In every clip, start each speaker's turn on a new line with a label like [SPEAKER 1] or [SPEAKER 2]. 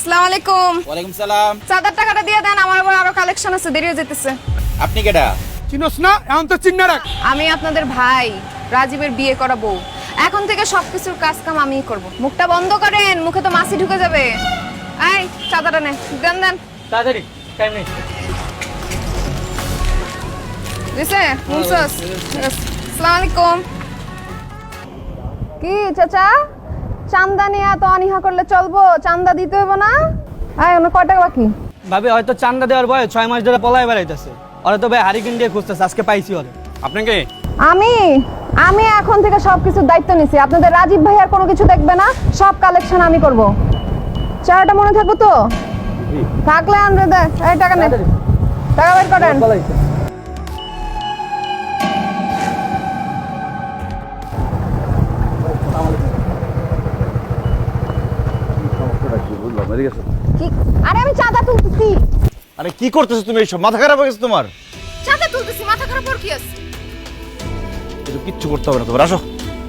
[SPEAKER 1] আসসালামু আলাইকুম।
[SPEAKER 2] ওয়ালাইকুম সালাম।
[SPEAKER 1] চাঁদার টাকাটা দিয়ে দেন, আমার আবার আরো কালেকশন আছে, দেরি হয়ে যেতেছে।
[SPEAKER 2] আপনি কেডা?
[SPEAKER 3] চিনোস না? এখন তো চিন্না রাখ।
[SPEAKER 1] আমি আপনাদের ভাই রাজীবের বিয়ে করা বউ। এখন থেকে সবকিছুর কাজ কাম আমিই করব। মুখটা বন্ধ করেন, মুখে তো মাছি ঢুকে যাবে। এই চাঁদাটা নে, দেন দেন
[SPEAKER 3] তাড়াতাড়ি, টাইম নেই।
[SPEAKER 1] দিছে মুনসাস। আসসালামু আলাইকুম। কি চাচা, চান্দা নিয়ে এত অনীহা করলে চলবো? চান্দা দিতে হবে না? আয় ওনা কয় টাকা বাকি?
[SPEAKER 4] ভাবি হয়তো চান্দা দেওয়ার বয়স 6 মাস ধরে পলায় বেড়াইতেছে। ওরা তো ভাই হারিকেন দিয়ে খুঁজতেছে, আজকে পাইছি ওরে।
[SPEAKER 3] আপনাকে
[SPEAKER 1] আমি আমি এখন থেকে সবকিছুর দায়িত্ব নিছি। আপনাদের রাজীব ভাই আর কোনো কিছু দেখবে না, সব কালেকশন আমি করব। চারাটা মনে থাকবো তো? থাকলে আনরে দে। এই টাকা নে, টাকা বের করেন। কি? আরে আমি চাঁদা তুলতেছি।
[SPEAKER 5] আরে কি করতেছো তুমি? এইসব মাথা খারাপ হয়ে গেছে তোমার?
[SPEAKER 1] চাঁদা তুলতেছি, মাথা খারাপ ওর কি আছে?
[SPEAKER 5] কিছু কিচ্ছু করতে হবে না তোমার, আসো।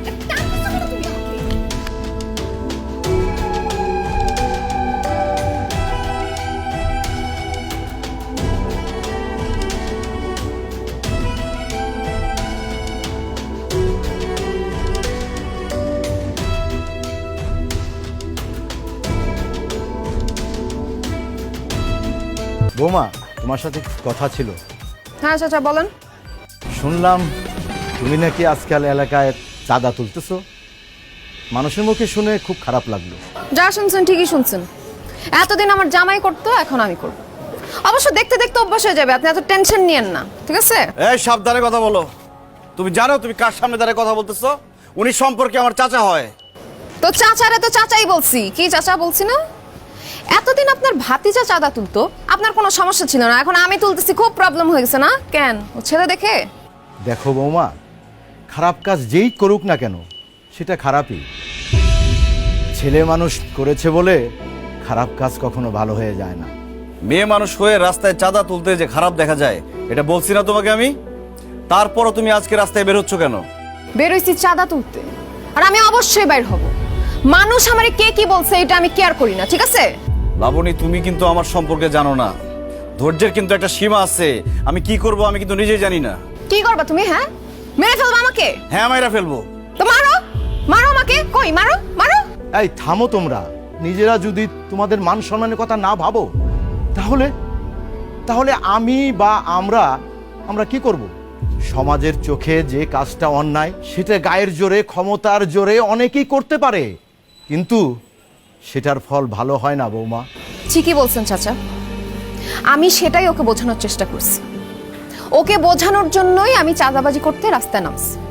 [SPEAKER 5] বৌমা, তোমার সাথে কথা ছিল।
[SPEAKER 1] হ্যাঁ চাচা বলেন।
[SPEAKER 5] শুনলাম তুমি নাকি আজকাল এলাকায় চাঁদা তুলতেছো। মানুষের মুখে শুনে খুব খারাপ লাগলো।
[SPEAKER 1] যা শুনছেন ঠিকই শুনছেন। এতদিন আমার জামাই করতো, এখন আমি করব। অবশ্য দেখতে দেখতে অভ্যাস হয়ে যাবে, আপনি এত টেনশন নিয়েন না, ঠিক আছে?
[SPEAKER 5] এই সাবধানে কথা বলো। তুমি জানো তুমি কার সামনে দাঁড়িয়ে কথা বলতেছো? উনি সম্পর্কে আমার চাচা হয়।
[SPEAKER 1] তো চাচারে তো চাচাই বলছি, কি চাচা বলছি না? এতদিন আপনার ভাতিজা চাঁদা তুলতো, আপনার কোনো সমস্যা ছিল না। এখন আমি তুলতেছি, খুব প্রবলেম হয়ে গেছে না? কেন? ও ছেলে দেখে?
[SPEAKER 5] দেখো বৌমা, খারাপ কাজ যেই করুক না কেন সেটা খারাপই। ছেলে মানুষ করেছে বলে খারাপ কাজ কখনো ভালো হয়ে যায় না। মেয়ে মানুষ হয়ে রাস্তায় চাঁদা তুলতে যে খারাপ দেখা যায়, এটা বলছি না তোমাকে আমি? তারপরও তুমি আজকে রাস্তায় বের হচ্ছ কেন?
[SPEAKER 1] বেরোইছি চাঁদা তুলতে, আর আমি অবশ্যই বাইর হব। মানুষ আমারে কে কি বলছে এটা আমি কেয়ার করি না, ঠিক আছে?
[SPEAKER 5] লাবণী, তুমি কিন্তু আমার সম্পর্কে জানো না। ধৈর্যের কিন্তু একটা সীমা আছে। আমি কি করব আমি কিন্তু নিজেই জানি না।
[SPEAKER 1] কি করবা তুমি? হ্যাঁ, মেরে ফেলবা আমাকে?
[SPEAKER 5] হ্যাঁ, মাইরা ফেলবো।
[SPEAKER 1] তো মারো, মারো আমাকে। কই মারো, মারো।
[SPEAKER 5] এই থামো তোমরা। নিজেরা যদি তোমাদের মান সম্মানের কথা না ভাবো, তাহলে তাহলে আমি বা আমরা কি করব? সমাজের চোখে যে কাজটা অন্যায়, সেটা গায়ের জোরে, ক্ষমতার জোরে অনেকেই করতে পারে, কিন্তু সেটার ফল ভালো হয় না বৌমা।
[SPEAKER 1] ঠিকই বলছেন চাচা, আমি সেটাই ওকে বোঝানোর চেষ্টা করছি। ওকে বোঝানোর জন্যই আমি চাঁদাবাজি করতে রাস্তায় নামছি।